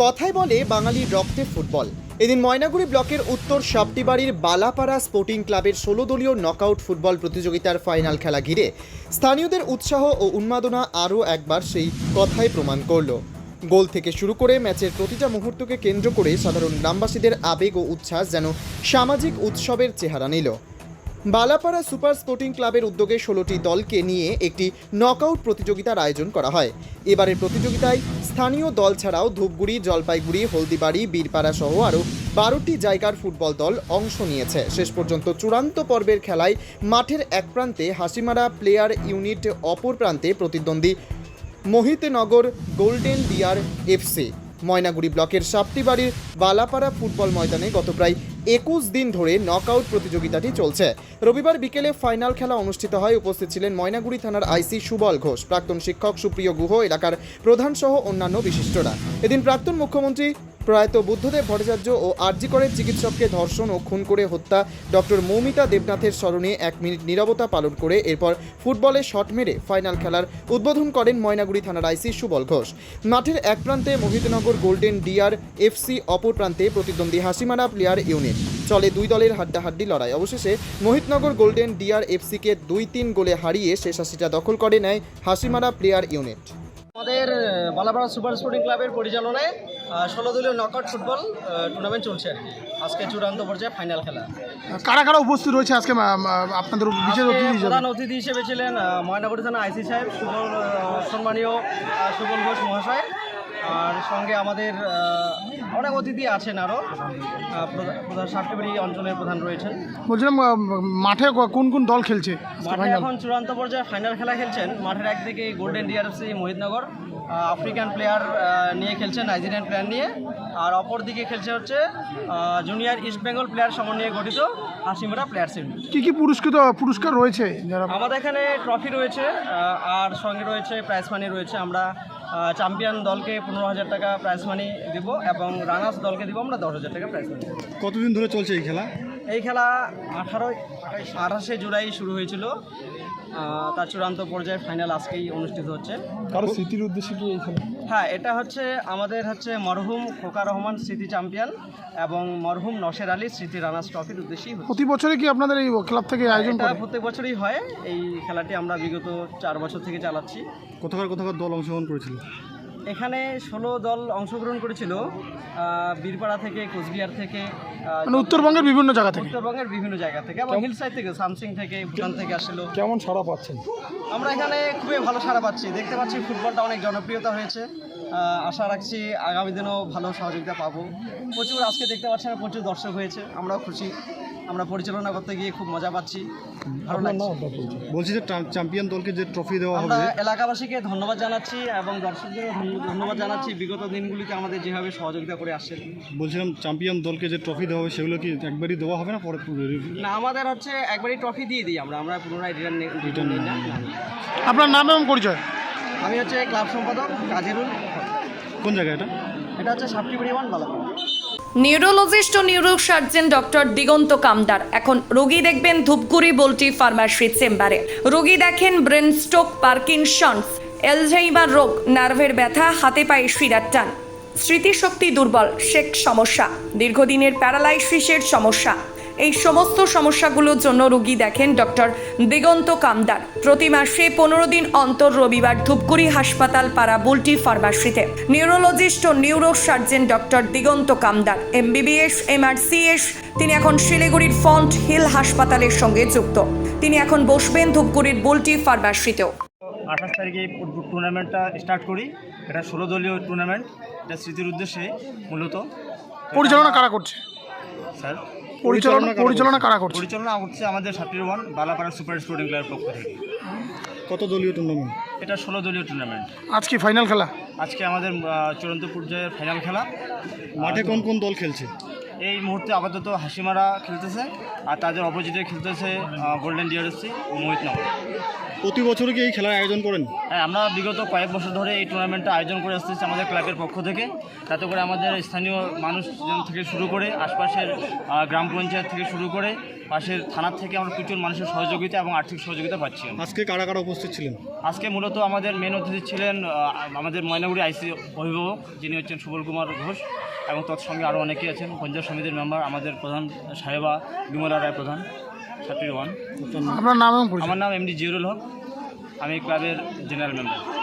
কথায় বলে বাঙালির রক্তে ফুটবল। এদিন ময়নাগুড়ি ব্লকের উত্তর সাপটিবাড়ির বালাপাড়া স্পোর্টিং ক্লাবের 16 দলীয় নকআউট ফুটবল প্রতিযোগিতার ফাইনাল খেলা ঘিরে স্থানীয়দের উৎসাহ ও উন্মাদনা আরও একবার সেই কথাই প্রমাণ করল। গোল থেকে শুরু করে ম্যাচের প্রতিটা মুহূর্তকে কেন্দ্র করে সাধারণ গ্রামবাসীদের আবেগ ও উচ্ছ্বাস যেন সামাজিক উৎসবের চেহারা নিল। বালাপাড়া সুপার স্পোর্টিং ক্লাবের উদ্যোগে 16টি দলকে নিয়ে একটি নকআউট প্রতিযোগিতার আয়োজন করা হয়। এবারের প্রতিযোগিতায় স্থানীয় দল ছাড়াও ধূপগুড়ি, জলপাইগুড়ি, হলদিবাড়ি, বীরপাড়া সহ আরও 12টি জায়গার ফুটবল দল অংশ নিয়েছে। শেষ পর্যন্ত চূড়ান্ত পর্বের খেলায় মাঠের এক প্রান্তে হাসিমারা প্লেয়ার ইউনিট, অপর প্রান্তে প্রতিদ্বন্দ্বী Mohitnagar golden deer FC. Maynaguri ব্লকের সাপটিবাড়ির বালাপাড়া ফুটবল ময়দানে গত প্রায় 21 দিন ধরে নকআউট প্রতিযোগিতাটি চলছে। রবিবার বিকেলে ফাইনাল খেলা অনুষ্ঠিত হয়। উপস্থিত ছিলেন ময়নাগুড়ি থানার আইসি সুবল ঘোষ, প্রাক্তন শিক্ষক সুপ্রিয় গুহ, এলাকার প্রধান সহ অন্যান্য বিশিষ্টরা। এদিন প্রাক্তন মুখ্যমন্ত্রী প্রয়াত বুদ্ধদেব ভট্টাচার্য ও আরজি করের চিকিৎসককে ধর্ষণ ও খুন করে হত্যা ডক্টর মৌমিতা দেবনাথের স্মরণে 1 মিনিট নীরবতা পালন করে এরপর ফুটবলে শট মেরে ফাইনাল খেলার উদ্বোধন করেন ময়নাগুড়ি থানার আইসি সুবল ঘোষ। মাঠের এক প্রান্তে মোহিতনগর গোল্ডেন ডিয়ার এফসি, অপর প্রান্তে প্রতিদ্বন্দ্বী হাসিমারা প্লেয়ার ইউনিট। চলে দুই দলের হাড্ডাহাড্ডি লড়াই। অবশেষে মোহিতনগর গোল্ডেন ডিয়ার এফসিকে 2-3 গোলে হারিয়ে শেষ 80টা দখল করে নেয় হাসিমারা প্লেয়ার ইউনিট। আমাদের বালাপাড়া সুপার স্পোর্টিং ক্লাবের পরিচালনায় 16 দলীয় নকআউট ফুটবল টুর্নামেন্ট চলছে আর কি। আজকে চূড়ান্ত পর্যায়ে ফাইনাল খেলা। কারা কারা উপস্থিত রয়েছে আজকে আপনাদের বিশেষ অতিথি হিসেবে? প্রধান অতিথি হিসেবে ছিলেন ময়নাগুড়ি থানা আইসি সাহেব, সম্মানীয় সুবল ঘোষ মহাশয়। আর সঙ্গে আমাদের অনেক অতিথি আছেন, আরও প্রধান সাপটিবাড়ি অঞ্চলের প্রধান রয়েছেন। বলছিলাম মাঠে কোন কোন দল খেলছে? মাঠে এখন চূড়ান্ত পর্যায়ে ফাইনাল খেলা খেলছেন। মাঠের একদিকে golden deer FC Mohitnagar African player নিয়ে খেলছেন, নাইজেরিয়ান প্লেয়ার নিয়ে। আর অপর দিকে খেলছে হচ্ছে জুনিয়র ইস্ট বেঙ্গল প্লেয়ার সমন্বয়ে গঠিত হাসিমারা প্লেয়ার্স ইউনিট। কী কী পুরস্কার রয়েছে? আমাদের এখানে ট্রফি রয়েছে আর সঙ্গে রয়েছে প্রাইজ মানি রয়েছে। আমরা চ্যাম্পিয়ন দলকে 15,000 টাকা প্রাইজ মানি দেব এবং রানার্স দলকে দেবো আমরা 10,000 টাকা প্রাইজ মানি। কতদিন ধরে চলছে এই খেলা? এই খেলা 28শে জুলাই শুরু হয়েছিল। তার চূড়ান্ত পর্যায়ে ফাইনাল আজকেই অনুষ্ঠিত হচ্ছে। কারো স্মৃতির উদ্দেশ্যে কি এই খেলা? হ্যাঁ, এটা হচ্ছে আমাদের মরহুম খোকা রহমান স্মৃতি চ্যাম্পিয়ন এবং মরহুম নশের আলী স্মৃতি রানার্স ট্রফির উদ্দেশ্যেই। প্রতি বছরে কি আপনাদের এই ক্লাব থেকে আয়োজন করে? প্রত্যেক বছরই হয়। এই খেলাটি আমরা বিগত 4 বছর থেকে চালাচ্ছি। কোথাকার দল অংশগ্রহণ করেছিল? এখানে 16 দল অংশগ্রহণ করেছিল, বীরপাড়া থেকে, কোচবিহার থেকে, মানে উত্তরবঙ্গের বিভিন্ন জায়গা থেকে এবং হিল সাইড থেকে, সামসিং থেকে, ভুটান থেকে আসছিল। কেমন সাড়া পাচ্ছেন? আমরা এখানে খুবই ভালো সাড়া পাচ্ছি। দেখতে পাচ্ছি ফুটবলটা অনেক জনপ্রিয়তা হয়েছে। আশা রাখছি আগামী দিনেও ভালো সহযোগিতা পাবো। আজকে দেখতে পাচ্ছি প্রচুর দর্শক হয়েছে, আমরাও খুশি। আমরা পরিচালনা করতে গিয়ে খুব মজা পাচ্ছি, ভালো লাগছে। বলছি যে চ্যাম্পিয়ন দলকে যে ট্রফি দেওয়া হবে, আমরা এলাকাবাসীকে ধন্যবাদ জানাচ্ছি এবং দর্শকদেরও ধন্যবাদ জানাচ্ছি বিগত দিনগুলিতে আমাদের যেভাবে সহযোগিতা করে আসছে। বলছিলাম চ্যাম্পিয়ন দলকে যে ট্রফি দেওয়া হবে সেগুলো কি একবারই দেওয়া হবে না পরে? না, আমাদের একবারই ট্রফি দিয়ে দিই আমরা পুনরায় রিটার্ন নিই না। আপনার নাম এবং পরিচয়? আমি ক্লাব সম্পাদক কাজিরুল। কোন জায়গা এটা? এটা সাপটিবাড়ি 1 বালাপাড়া। নিউরোলজিস্ট ও নিউরোসার্জন ডক্টর দিগন্ত কামদার এখন রোগী দেখবেন ধূপগুড়ি বল্টি ফার্মাসি চেম্বারে। রোগী দেখেন ব্রেন স্ট্রোক, পার্কিনসন্স, অ্যালঝাইমার রোগ, নার্ভের ব্যথা, হাতে পায়ে শিরার টান, স্মৃতিশক্তি দুর্বল, শেক সমস্যা, দীর্ঘদিনের প্যারালাইসিসের সমস্যা। এই সমস্ত সমস্যাগুলোর জন্য রোগী দেখেন ডক্টর দিগন্ত কামদার। প্রতি মাসে 15 দিন অন্তর রবিবার ধূপগুড়ি হাসপাতাল পাড়া বুলটি ফার্মাসিতে। নিউরোলজিস্ট ও neurosurgeon doctor Diganta Kamdar, MBBS, MRCS। তিনি এখন শিলিগুড়ির ফন্ট হিল হাসপাতালের সঙ্গে যুক্ত। তিনি এখন বসবেন ধূপগুড়ির বুলটি ফার্মাসিতেও। 28 তারিখে টুর্নামেন্টটা স্টার্ট করি। এটা 16 দলীয় টুর্নামেন্ট। এটা স্মৃতির উদ্দেশ্যে মূলত। পরিচালনা কারা করছে স্যার? পরিচালনা কারা করছে? পরিচালনা করছে আমাদের সাপটিবাড়ি 1 বালাপাড়া সুপার স্পোর্টিং ক্লাবের পক্ষ থেকে। কত দলীয় টুর্নামেন্ট? এটা 16 দলীয় টুর্নামেন্ট। আজকে ফাইনাল খেলা? আজকে আমাদের চূড়ান্ত পর্যায়ের ফাইনাল খেলা। মাঠে কোন কোন দল খেলছে? এই মুহূর্তে আপাতত হাসিমারা খেলতেছে আর তাদের অপোজিটে খেলতেছে গোল্ডেন ডিআরএসসি ও মোহিতনগর। প্রতি বছর কি এই খেলার আয়োজন করেন? হ্যাঁ, আমরা বিগত কয়েক বছর ধরে এই টুর্নামেন্টটা আয়োজন করে আসতেছি আমাদের ক্লাবের পক্ষ থেকে। তাতে করে আমাদের স্থানীয় মানুষজন থেকে শুরু করে আশপাশের গ্রাম পঞ্চায়েত থেকে শুরু করে পাশের থানার থেকে আমরা প্রচুর মানুষের সহযোগিতা এবং আর্থিক সহযোগিতা পাচ্ছি। আজকে কারা কারা উপস্থিত ছিলেন? আজকে মূলত আমাদের মেন অতিথি ছিলেন আমাদের ময়নাগুড়ি আইসি অভিভাবক, যিনি হচ্ছেন সুবল কুমার ঘোষ, এবং তৎসঙ্গে আরও অনেকেই আছেন পঞ্চায়েত সমিতির মেম্বার, আমাদের প্রধান সাহেবা বিমলা রায় প্রধান, ছাত্রী ওয়ান। আপনার নাম? আমার নাম এমডি জিউরুল হক, আমি ক্লাবের জেনারেল মেম্বার।